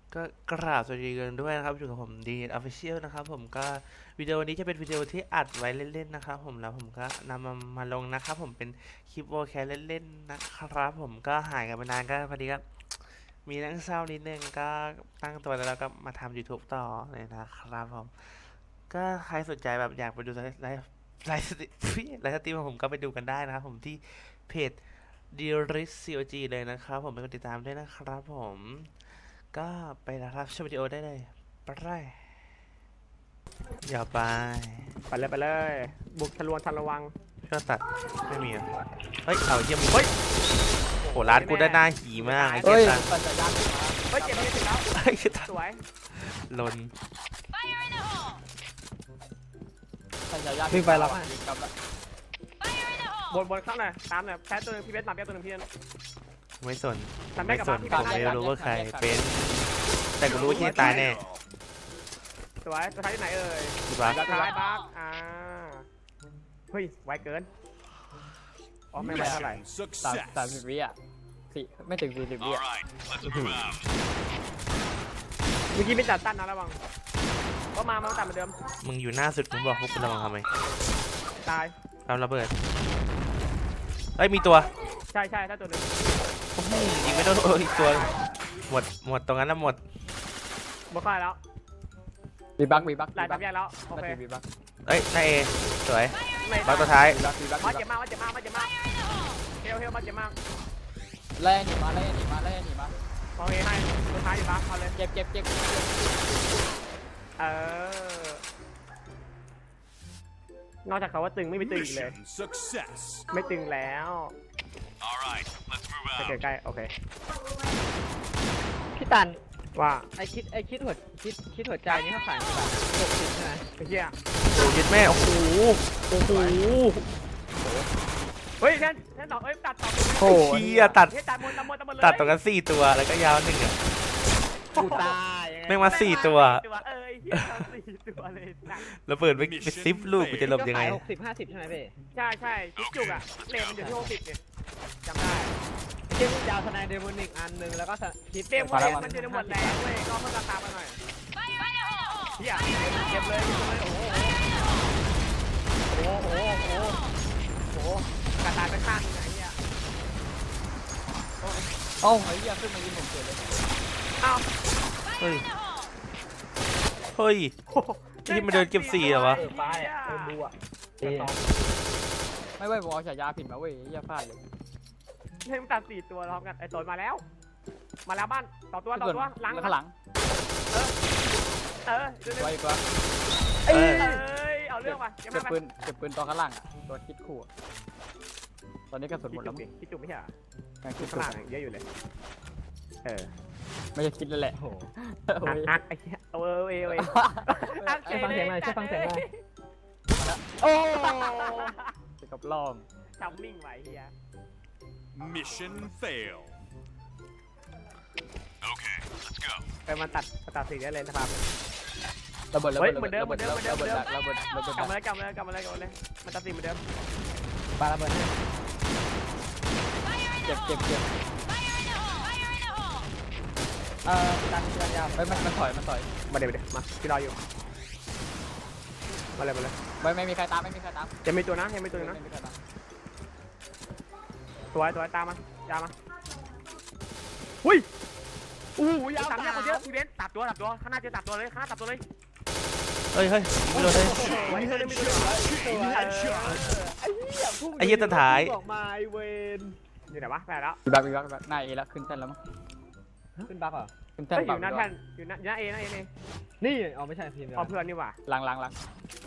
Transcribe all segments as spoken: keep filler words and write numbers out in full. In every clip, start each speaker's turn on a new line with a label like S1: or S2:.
S1: ก็กราบสวัสดีกันด้วยนะครับอยู่กับผมดีออฟฟิเชียลนะครับผมก็วิดีโอนี้จะเป็นวิดีโอที่อัดไว้เล่นๆนะครับผมแล้วผมก็นำมามาลงนะครับผมเป็นคลิปโวแคสเล่นๆนะครับผมก็หายกันไปนานก็พอดีก็มีเรื่องเศร้านิดนึงก็ตั้งตัวแล้วก็มาทำ YouTube ต่อเลยนะครับผมก็ใครสนใจแบบอยากไปดูไลฟ์ไลฟ์ไลฟ์สตรีมไลฟ์สตรีมของผมก็ไปดูกันได้นะครับผมที่เพจ ดี ริส ซี โอ จี เลยนะครับผมไปกดติดตามด้วยนะครับผมก็ไปนะครับชมวิดีโอได้เลยไปเลยอย่าไป
S2: ไปเลยไปเลยบุกทะลวงทันระวัง
S1: เชื่อตัดไม่มีอ่ะเฮ้ยเอาเยี่ยมเฮ้ยโหร้านกูได้หน้าหีมากไอ้เจ็
S3: เฮ้
S1: ด
S3: ย
S1: ตัง
S3: ปั่นจักรยานขึ้นมา
S2: เฮ้ยเจ็บไม่ถึงแล้ว
S1: เฮ้ยตัด
S2: สวย
S1: ลน
S3: ปั่นจักรยาน
S4: วิ่งไปแล้ว
S3: วิ่งกลับแล้ว
S2: บนบนข้างหน่อยตามหน่อยแพ้ตัวหนึงพี่เบสตามแพ้ตัวหนึงพี่เบส
S1: ไม่สน
S2: ทำได้
S1: ไม่
S2: กับ
S1: ส
S2: บ้าน
S1: น
S2: พี่
S1: ผ
S2: เบ
S1: ม
S2: ส
S1: ไม่รู้ว่าใครเป็นแต่กูรู้ว่าที่ตายแน่
S2: สวยตัวท้ายที่ไหนเอ่ย
S1: ถูกปะ
S2: ตัวท้ายบักอ่าเฮ้ยไวเกินอ๋อไม่ไหวเท่าไหร่
S3: สามสามสิบวิอ่ะสี่ไม่ถึงสี่สิบวิอ่ะ
S2: เมื่อกี้ไม่จัดตั้นนะระวังก็มามาตัดเหมือนเดิม
S1: มึงอยู่หน้าสุดมึงบอกพวกกูระวังทำไม
S2: ตาย
S1: เราระเบิดเฮ้ยมีตัว
S2: ใช่ใช่ถ้าตัวหนึง
S1: โอ้โหยิงไม่โดนเอออีกตัวหมดหมดตรงนั้นแล้วหมด
S2: บวกเข้าแล้ว
S3: บีบักบีบัก
S2: หลายทำแยกแล้วโอ
S3: มา
S2: เค
S3: ถึงบีบัก
S1: เอ้ยนายเอสวย
S2: ไม่
S1: บักตัวท้าย
S3: บีบักบีบัก
S2: มา
S3: บี
S2: เจ็บ
S3: บัก
S2: มากมาเจ็บมากมาเจ็บมากเฮลเฮลมาเจ็บมาก
S3: ไล่หนีมาไล่หนีมาไล่หนีมา
S2: โอเคให้ตัวท้ายอยู่บักเอาเลย
S3: เจ็บเจ็บเจ็บ
S2: เออนอกจากเขาว่าตึงไม่มีตึงอีกเลย
S5: Mission success.
S2: ไม่ตึงแล้ว
S5: All right, let's move
S2: ใก
S5: out.
S2: ล้ใกล้ๆโอเค
S4: พี่ตัน
S2: ว่า
S4: ไอคิดไอคิดหัวคิดคิดหัวใจนี่เขาขายกี่บาทหกสิบใช่ไหม
S2: ไอ้เหี้ย
S1: โอ้ยึดแม่โอ้โหโอ้โห
S2: เฮ้ยแท่นแท่นต่อเอ้ยตัดต่อ
S1: โอ้เฮียตัด
S2: เฮ้ยตัดหมดตัดหมดตัดหมดเลย
S1: ตัดตรงกันสี่ตัวแล้วก็ยาวหนึ่งอ่ะ
S4: กูตายยังไง
S1: แม่งมาสี่ตัว
S2: เออไอ้เหี้ยเอาสี่ตัวเลยหนัก
S1: ระเบิดไปไปซิปลูกกูจะหลบยังไง
S4: หกสิบห้าสิบใช่ไหมพี่
S2: ใช่ใช่จุกจุกอะเลนมันอยู่ที่หกสิบเนี่ยจำได้
S4: เช่นยาวทนายเดมอนิกอันหนึ่งแล้วก็คิด
S2: เต็มหมดเลยมันอยู่ในหมดแรงเว้ยก็เพิ่มราคามาหน่อยเหี้ยเก็บเลยเก็บเลยโอ้โหโอ้โหโอ้โหโอ้โหกระตายไปข้างนึงไอ้เหี้ย
S3: โอ้ยยังขึ้นมายิงผมเกิดเลย
S2: อ้าว
S1: เฮ้ย เฮ้ย ที่มันเดินเก็บสี่เหรอวะ
S4: เออป้ายอ่ะเออดูอ่ะ
S3: ไม่ไหวผมเอาฉายาผิดมาเว้ยอย่าพลาดเลย
S2: ให้มันตัดสี่ตัวพร้อมกันไอ้ตนมาแล้ว มาแล้วบ้านต่อตัวต่อตัวหลัง
S3: ข้างหลัง
S2: เออเดี๋ยว
S3: ไว้อีกแล้ว
S1: เอ้ย
S2: เอ้ยเอาเรื่องว่ะยัง
S3: เก็
S2: ไม่
S3: บ
S2: ไป
S3: ปืนเก็บปืนตอนข้างล่างอ่ะตัวคิดขู่อะตอนนี้กระสุนหมดแล้วมั้ง
S2: พี่จุ๊บไม่ใช่เหรอ
S3: ยังคิด
S2: ข้าง
S3: ขู่
S2: ล่างเยอะอยู่เลย เออ
S3: ไม่ใช่คิดเลยแหละ
S4: โอ้โห
S3: โอ้
S2: อัก
S3: ย
S2: อักไอ้เหี้ยเอาเออเออเอออัก
S4: ช่วยฟังเสียงหน่อยช่วยฟังเสียงหน่อย
S2: โอ้
S3: จะกับล่อม
S2: จำมิ่งไว้เฮีย
S5: Mission fail. Okay, let's go.
S2: ไปมาตัดมาตัดสีได้เลยนะครับ
S3: ระเบิดระ
S2: เฮ้
S3: เบิ
S2: ย
S3: ดระ
S2: เหมื
S3: เบิ
S2: อน
S3: ด
S2: เดิม
S3: ระเบิด
S2: เหมือนเดิม
S3: ระเบิดระเบิดระเบิด
S2: กลับมาเลยกลับมาเลยกลับมาเลยกลับมาเลยมาตัดสีเหมือนเดิม
S4: ปาระเบิดให้
S3: เจ็บเจ็บเจ็บ
S4: เอ่อตันตันยาว
S3: เฮ้ยมันมันถอยมันถอย
S2: มาเดี๋ยวเดี๋ยวมาพี่รออยู่มาเลยมาเลย
S3: ไม่ไม่มีใครตามไม่มีใครตาม
S2: จะมีตัวนะยังมีตัวนะ
S3: ไม่มีใครตาม
S2: ตัวตัวตามมายามาหุ้ยอู้ยาวตัดเนี่ยคนเยอะพี่เบนตัดตัวตัดตัวข้างหน้าเจอตัดตัวเลยข้างหน้าตัดตัวเลย
S1: เฮ้ยเฮ้ยไม่โดนเลย
S2: ไว้เฮ้ยไม่ตัว
S5: Chain headshot.
S4: ไอ้เหี้ยพุ่ง
S1: ไอ้เหี้ยตัวท้าย
S4: ออกมาไอเวน
S2: อยู่ไหนวะไปแล้ว
S3: มีบักมีบักมีบักหน้าเอแล้วขึ้นแท่นแล้วมั้ง
S4: ขึ้นบักเหรอ
S3: ขึ้นแท่น
S2: เฮ้ยอ
S3: เปล่า
S2: ยู่หน้าแท่นอยู่หน้าหน้าเอหน้าเอนี่
S4: นี่อ๋อไม่ใช่ทีมเดียว
S2: พอเพื่อนนี่หว่า
S3: หลังหลังหลัง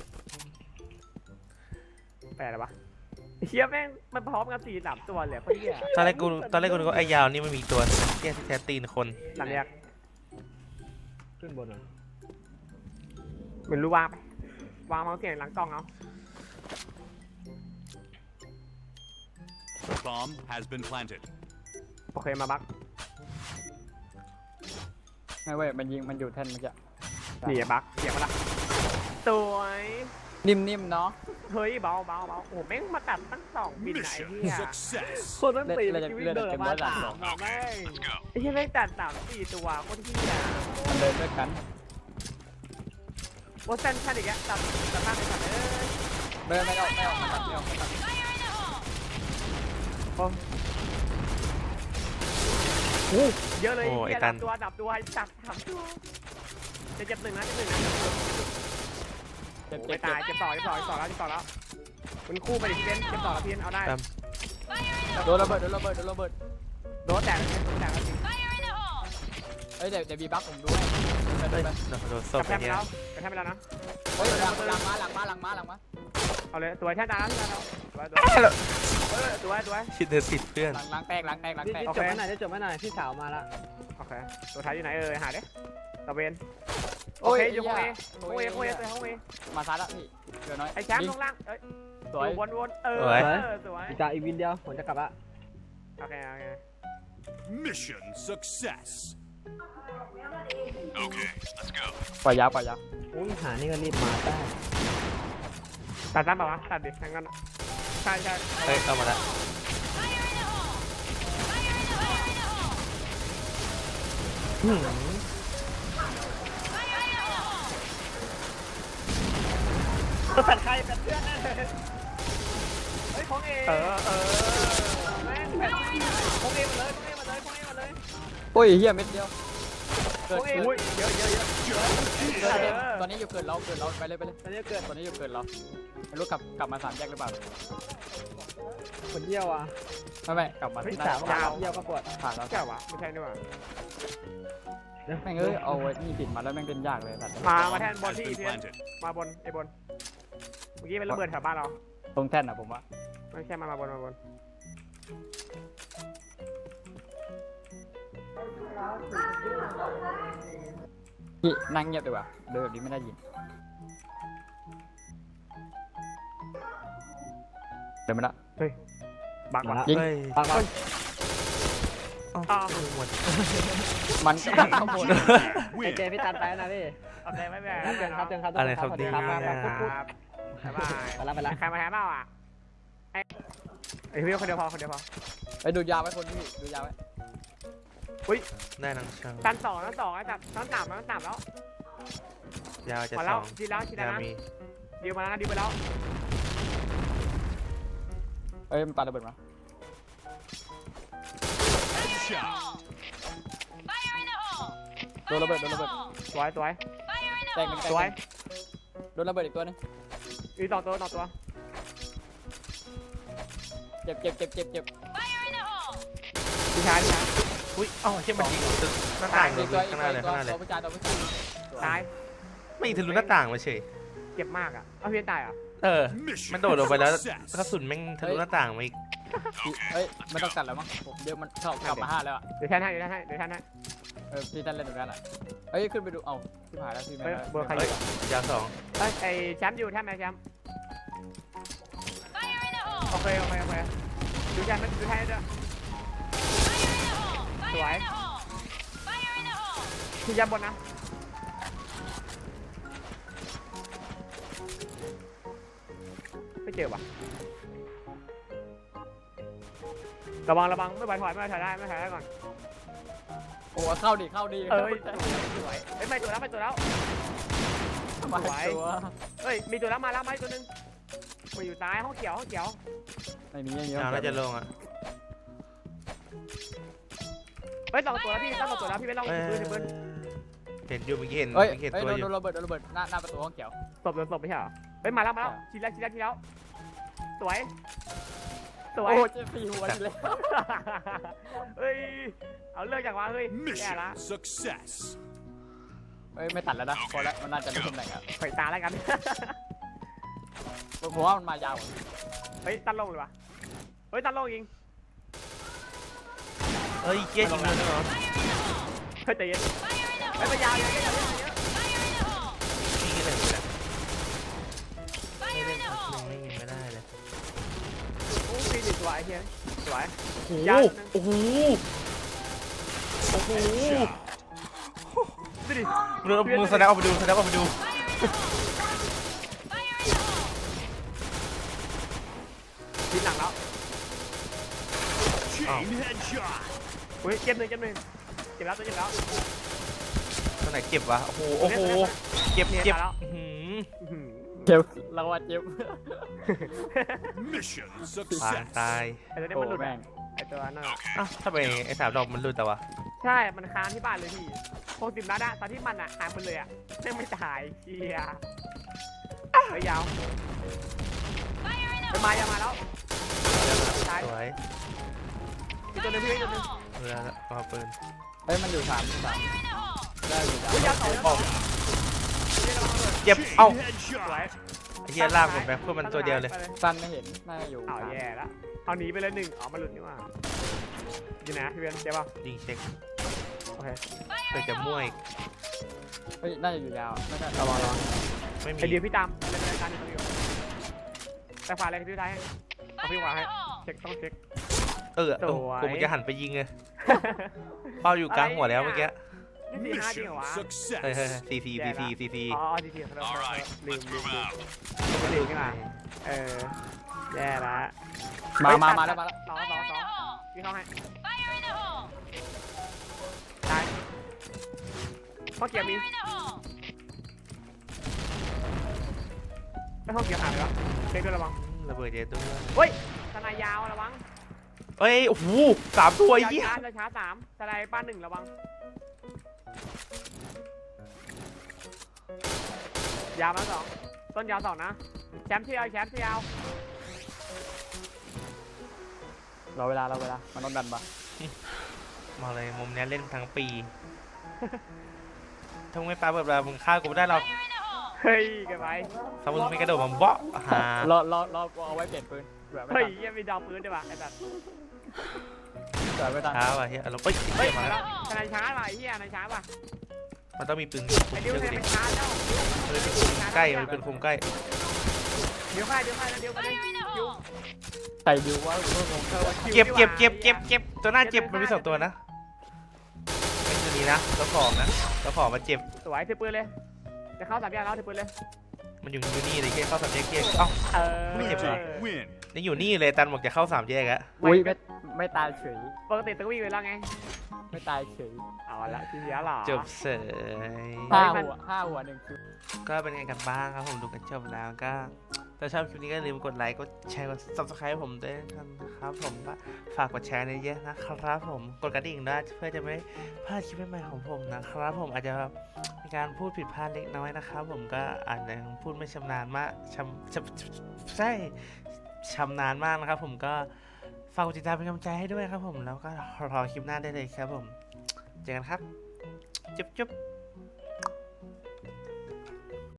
S2: แปลอะไรวะเฮียแม่งมันพร้อมกันสี่สามตัวเลยคนเฮีย
S1: ตอนแรกกูตอนแรกกูนึกว่าไอ้ยาวนี่มันมีตัวแค่แค่ตีนคน
S2: หลังแยก
S4: ขึ้นบนเหรอ
S2: เหมือนรู้วางไปวางเมาส์เสียงหลังกล้องเอา
S5: Bomb has been planted.
S2: โอเคมาบัก
S3: ไม่เว้ยมันยิงมันอยู่แท่นเมื่อกี้
S2: นี่บักเสียงมาละสวย
S3: นิ่มๆเนาะ
S2: เฮ้ยเบาเบาเบาโอ้แม่งมาตัดตั้งสองบินไหน
S5: Mission
S2: เนี่ย
S5: success.
S4: คนต้องตี
S3: เลื
S4: เล
S3: อด
S4: ย
S3: เลือด
S4: เดิน
S3: เต็ม
S4: มา
S3: เลือด
S4: สามอ่ะแม่ง
S5: Let's go.
S2: ไอ้ที่แม่งตัดสามสี่ตัวโคตรที่อ่ะ
S3: มันเดินด้วยกัน
S2: โอ้เซนชันอีกแล้วตัดตัดมากเลยตัดเอ้ย
S3: เดินไม่ออกไม่ออกไม่ออกไม่ออกไม่ออก
S2: เยอะเลย
S1: โอ้ไอ้
S2: เหี้ย
S1: ตั
S2: ดั
S1: น
S2: บตัวดับตัวจับสามตัวจะเจ็บหนึ่งนะเจ็บหนึ่งนะ
S3: เจ็บ
S2: โอ้
S3: เจ็
S2: ไม่
S3: บ
S2: ตายเจ็บต่อเจ็บต่อเจ็บต่อแล้วเจ็บต่อแล้วมันคู่ไปดิพี่เบนเจ็บต่อแล้วพี่เบนเอาได้
S1: ตาม
S3: โดนระเบิดโดนระเบิดโดนระเบิด
S2: โดนแตกโดนแตกแล้วจริง
S3: เฮ้ยเดี๋ยวเดี๋ยวบีบักผมด้วยไปไป
S1: เฮ้ย
S3: ไป
S1: โดนศ
S2: ก
S1: พ
S2: ระ
S1: ไป
S2: แทกไป
S1: เนี่ย
S2: แล้วกระแทกไปแล้วนะ
S3: เฮ้ยหลังหลังมาหลังมาหลังมาหลังมา
S2: เอาเลยตัวแช่ตาแล้วที่เราตัวตัวเออตัวตัว
S1: ชิดเดินติดเพื่อน
S3: หลังหลังแตกหลังแตกหลัง
S4: นี่
S3: แตก
S4: จบไม่หน่อยได้จบไม่หน่อยพี่สาวมาละ
S2: โอเคตัวท้ายอยู่ไหนเออหาดิตะเวนโอเคอยู่ห้องเอห้องเอห้องเอตัวห้องเอ
S3: มาซ้ายแล้วพี่เดี๋ยวน้อย
S2: ไอ้แชมป์ลงล่างเอ้ย
S3: สวย
S2: วนวนเออสวย
S4: อีกจาอีกวินเดียวผมจะกลับละ
S2: โอเคโอเค
S5: Mission success. Okay, let's go.
S3: ปล่อยยาวปล่อยยาว
S4: อุ้ยหานี่ก็รีบมาได้
S2: ตัดสั้นป่าวะตัดดิทั้งนั้นใช่ใช่
S1: เฮ้ยเข้ามาแล้ว
S4: หืม
S2: ตัดใครตัดเพื่อนเฮ้ยของเอเออเออแม่งแบบของเอมาเลยของเอมาเลยของเอมาเลย
S3: โอ้ยเฮียเม็ดเดียวเกิ
S2: ข
S3: ด
S2: องเอ
S3: เกิด
S2: อุ้ยเยอะเยอะเยอะ
S3: เกิดเกิดตอนนี้อยู่เกิดเราเกิดเราไปเลยไปเลย
S4: ตอนนี้เกิด
S3: ตอนนี้อยู่เกิดเราไม่รู้กลับกลับมาสามแยกหรือเปล่า
S4: คนเดียวอ่ะ
S3: ไม่ไม่กลับมา
S4: พี่
S3: ที่ห
S4: สา
S3: น้าว
S4: เดียวก็ปวด
S3: ผ่านแล้ว
S2: แก้ววะไม่ใช่นี่หว่า
S3: แม่งเอ้ยเอาไอ้นี่ติดมาแล้วแม่งเป็นยากเลยสัตว์
S2: มามาแทนบอล
S5: Has
S2: ที่
S5: been
S2: เพื่อน
S5: planted.
S2: มาบนไอ้บนเมื่อกี้เป็นระเบิดแถวบ้านเรา
S3: ตรงแท่นอ่ะผมว่า
S2: ไม่ใช่มามาบนมาบน
S3: พี่นั่งเงียบดีกว่าเดินแบบนี้ไม่ได้ยินเดินมาละ
S2: บัก
S4: มา
S2: ว่ะ
S4: ละ
S3: ยิง
S1: เฮ้ย
S4: ปังปัง
S1: อ้าวหมด
S3: มันก็ตั้งข้างบน
S4: ไอเจ
S5: Win.
S4: พี่ตันไปแล้วนะพี่
S2: โอเคไม่เป็น
S4: ครับ
S2: ไร
S4: เจนครับเจนครับ
S1: อะไรครับ
S4: สวัส
S1: ดี
S4: ครับ
S1: มาก
S4: ครับ
S1: นะ
S4: ครับ
S2: ครับบ๊ายบาย
S4: ไปละไปละ
S2: ใครมาแทนเปล่าอ่ะไอ้ไอ้พี่คนเดียวพอคนเดียวพอ
S3: ไปดูยาวไว้คนพี่ดูยาวไว้
S1: ได้นังช่าง
S2: ชั้นสองชั้นสองไอ้จับชั้นสามชั้นสามแล้ว
S1: ยาวจะ
S2: มา
S1: ส
S2: แล้ว
S1: อง
S2: ชิดแล้วชิดแล้ว
S1: ยาว
S2: นะ
S1: มี
S2: ดิวมาแล้วนะดิวไปแล้ว
S3: เอ้ยมันปาระเบิดมา
S5: Headshot.
S3: โดนระเบิดโดนระเบิด
S2: สวยสวย
S3: แตกหนึ่งแตก
S2: ส
S3: ห
S2: วย
S3: นึ่งโดนระเบิดอีกตัวหนึง
S2: อีต่อตัวต่อตัว
S3: เจ็บเจ็บเจ็บเจ็บเจ็บ
S2: พี่ชายพี่ชาย
S1: อุ้ยอ๋อใช่มันยิงทะลุหน้าต่างเล
S3: อี
S1: ย
S3: กตัวอี
S1: ข้าก งห
S3: ตั
S1: น้าว เลย
S3: อีก
S1: ข้างหน้าเลย
S3: ตัวตัวผู้ชายตัวผู้ชาย
S2: ตาย
S1: ไม่ยิงทะลุหน้าต่างมาเฉย
S2: เจ็บมากอ่ะเอาพี่ตายอ่ะ
S1: เออ
S5: Mission
S1: มันโดดลงไปแล้ว
S5: success.
S1: กระสุนแม่งทะลุหน้าต่างมาอีก
S3: เฮ้ยไม่ต้องกัดแล้วมั้งผมเดี๋ยวมันเข้ากลับมาห้าแล้วอ่ะ
S2: เดี๋ยวแทนให้เดี๋ยวแทนให้เดี๋ยวแทนให้
S3: เออพี่ท่านเล่นตรงนั้นอ่ะเฮ้ยขึ้นไปดูเอ้าที่ผ่านแล้วพี่ไม่
S2: เฮ้ย
S3: ได้
S2: เบอร์ใคร
S1: เฮ้ยยาวสอง
S2: เฮ้ยไอ้แชมป์อยู่แทนไหมแชมป์โอเคโอเคโอเคดูแทนดูแทนด้วยสวยที่ยับบนนะไม่เจอว่ะระวังระวังไม่ไหวถอยไม่ไหวถอยได้ไม่ถอยได้ก่อน
S3: โอ้เข้าดิเข้าดิ
S2: เอ้ยสวยเอ้ยไม่ตัวแล้วไม่ตัวแล้ว
S3: มาตัว
S2: เอ้ยมีตัวแล้วมาแล้วมาอีกตัวหนึงมาอยู่ซ้ายห้องเขียวห้องเขียว
S3: ไม่มีไม่มี
S1: ยาวน่าจะลงอ่ะ
S2: เฮ้ยสองตัวแล้วพี่ต้องสองตัวแล้วพี่ไม่ต้อง
S1: เอ้ย
S2: ปืนปืน
S1: เห็นอยู่เมื่อกี้เห็น
S3: เฮ้ย
S1: เมื่อกี้เห็น
S3: เฮ้ย
S1: ตัว
S3: โดน
S1: อยู่
S3: โดนระเบิดโดนระเบิดหน้าหน้าประตูห้องเขียว
S2: ศพโดนศพไม่ใช่เหรอเฮ้ยมาแล้วมาแล้วทีแล้วทีแล้วทีแล้วสวยสวย
S3: โอ้เจ็บสี่หัวเลย
S2: เฮ้ยเอาเลิกจากว่าเฮ้ยแย่ละ
S5: Mission success.
S3: เฮ้ยไม่ตัดแล้วนะพอแล้วมันน่าจะรู้ตำแหน่งอ่ะ
S2: ไฟตาแล้วกัน
S3: ผมว่ามันมายาว
S2: เฮ้ยตันลงเลยวะเฮ้ยตันลงยิง
S1: เฮ้ยเจ๊ยิงเลยเหรอ
S2: เฮ้ยใจเย็นเฮ้ยมายาวเยอะเยอะเยอะเยอะ
S1: ยิงกันเลยแหละไม่เล่นพักหนึ่งไม่ยิงไม่ได้เลย
S2: โอ้ฟีนิสวยเฮียสวย
S1: โอ้โหโอ้โหโอ้โห
S2: ดูดิ
S1: มือมือแสดงออกไปดูแสดงออกไปดู
S5: Chain headshot.
S2: อุ้ยเจ็บหนึ่งเจ็บหนึ่งเจ็บแล้วตัวเจ็บแล้ว
S1: ตรงไหนเจ็บวะโอ้โหโอ้โหเจ็บ
S2: เนี่ย
S1: เจ็บ
S2: ตายแล้ว
S1: อื้อหือ
S2: อื้อหือ
S3: เจ็บเราว่าเจ็บ
S5: Mission
S1: ปาง
S5: success.
S1: ตาย
S2: ไอ้ตัวนี้
S3: โอ้
S2: มันหลุด
S3: แม่
S2: อะ
S3: ง
S2: ไอ้ตัวนั่นอะ
S1: อ้าวทำไมไอ้สามดอกมันหลุดแต่วะ
S2: ใช่ มันค้างที่บ้านเลยพี่หกสิบนัดอะตอนที่มันอะหายหมดเลยอะแม่งไม่ตายเชียเฮ้ยยาวไปมาอย่ามาแล้วตาย
S1: สวย
S2: มีตัวหนึงพี่มีตัวหนึง
S1: เรือเอาปืน
S3: เฮ้ยมันอยู่สามสามได้อยู่สาม
S2: อุ้ยยาวสองยาวสองนี่ระวังระเบิด
S1: เจ็บเอ้า
S2: สวย
S5: Headshot.
S1: ไอ้เหี้ยลากผมไปเพื่อมันตัวเดียวเลย
S3: สั้นไม่เห็นน่าจะอยู่
S2: เอา
S3: สาม
S2: แย่แล้วเอาหนีไปเลยหนึ่งอ๋อมันหลุดนี่หว่าอยู่ไหนพี่เบนเจ็บป่ะ
S1: ยิงเช็ค
S2: โอเค
S1: เพื่อจะมั่วอีก
S3: เฮ้ยน่าจะอยู่ยาวไม่ได้
S2: ระวังระวัง
S1: ไม่มี
S2: ไอเดียวพี่ตามไปเลยไปเลยตามอยู่ตรงนี้ก่อนแต่ขวาเลยพี่ท้ายให้เอาพี่ขวาให้เช็คต้องเช็ค
S1: เออเออ
S2: สวย
S1: กูมันจะหันไปยิงเลยเป้าอยู่กลางหัวแล้วเมื่อกี้
S2: นี่สี่ห้าจริง
S5: Mission
S2: เหรอวะ
S1: เฮ้ยเฮ้ย
S5: success.
S1: ซีซีซีซีซีซี
S2: อ๋อดีทีขอโทษขอโทษ
S5: Alright,
S2: ลืม
S5: let's
S2: ลืม
S5: move
S2: ลืม
S5: out.
S2: ไม่ลืมนี่มาเออแย่ละ
S3: มามา
S2: เฮ้ย
S3: มา
S2: ตั
S3: แล้วมาแล้ว
S2: สองสองสองพี่เข้าให้ตายข้อเกียร์มีไม่ข้อเกียร์หายไปแล้วเช็คด้วยระวัง
S1: ระเบิดเยอะตัว
S2: เฮ้ยทนายยาวระวัง
S1: เอ้ยโอ้โหสามตัวไอ้เหี้ย
S2: ช้าช้าช้าสามทนายป้านหนึ่งระวังยาวมาสองต้นยาวสองนะแชมป์ที่ยาวแชมป์ที่ยาว
S3: รอเวลารอเวลามันโดนดันปะ
S1: มาเลยมุมเนี้ยเล่นทั้งปีถ้ามึงไม่ปาเปิดเวลามึงฆ่ากูไม่ได้หรอก
S2: เฮ้ยเกันไป
S1: ถ้ามึงไม่กระโดดมาเบาะหาร
S3: อรอรอเอาไว้เปลี่ยนปืนเผื่อไม่
S2: เฮ้ย
S3: ทัน
S2: ยังมีดาวปืนด้วยว่ะไอ้สัตว์
S3: เผื่อไม่ทัน
S1: ช้าว่ะเฮียอารมณ์เฮ้ย
S2: เฮ้ย
S1: มา
S2: มา
S1: แล้
S2: แล้ว วทนายช้าว่ะไอ้เหี้ยทนายช้าว่ะ
S1: มันต้องมีปืน
S2: ไอ้ดิว
S1: เชื่อ
S2: ท
S1: กู
S2: นาย
S1: ดิ
S2: มันช้าแล้ว
S1: เออมีปืนใกล้มันเป็นคุมใกล้
S2: เดี๋ยวค่ายเดี๋ยวค่ายแล้วเดี๋ยวไปเลยดิว
S3: ใส่ดิวว่าเพื่อนงง
S2: เออว่าคิว
S1: เจ็บ
S2: นี่ห
S1: เจ็บ
S2: ว่า
S1: เจ็บเจ็บเจ็บตัวหน้าเจ็บมันมีสองตัวนะเป็นตัวนี้นะตัวของนะตัวของมาเจ็บ
S2: สวยถือปืนเลยจะเข้าสามแยกแล้วถือปืนเลย
S1: มันอยู่อยู่นี่เลยแค่เข้าสามแยกเกียร์เอ้า
S2: เออ
S1: ไม่เจ็บเหรอ
S5: Win.
S1: ยังอยู่นี่เลยตันบอกจะเข้าสามแยกอะ
S3: อุ้ยไม่ไม่ตายเฉย
S2: ปกติต้องวิ่งไปแล้วไง
S3: ไม่ตายเฉย
S2: เอาละทีเดียวเหรอ
S1: จบเสย
S3: ห้าหัวห้าหัวหนึ่งคิว
S1: ก็เป็นไงกันบ้างครับผมดูกันจบแล้วก็ถ้าชอบคลิปนี้ก็อย่าลืมกดไลค์กดแชร์กด ซับสไครบ์ ผมด้วยนะครับผมก็ฝากกดแชร์เยอะๆนะครับผมกดกระดิ่งด้วยเพื่อจะไม่พลาดคลิปใหม่ๆของผมนะครับผมอาจจะมีการพูดผิดพลาดเล็กน้อยนะครับผมก็อาจจะพูดไม่ชำนาญมากชำชำใช่ชำนาญมากนะครับผมก็ฝากกดติดตามเป็นกำลังใจให้ด้วยครับผมแล้วก็รอคลิปหน้าได้เลยครับผมเจอกันครับจุ๊บจุ๊บ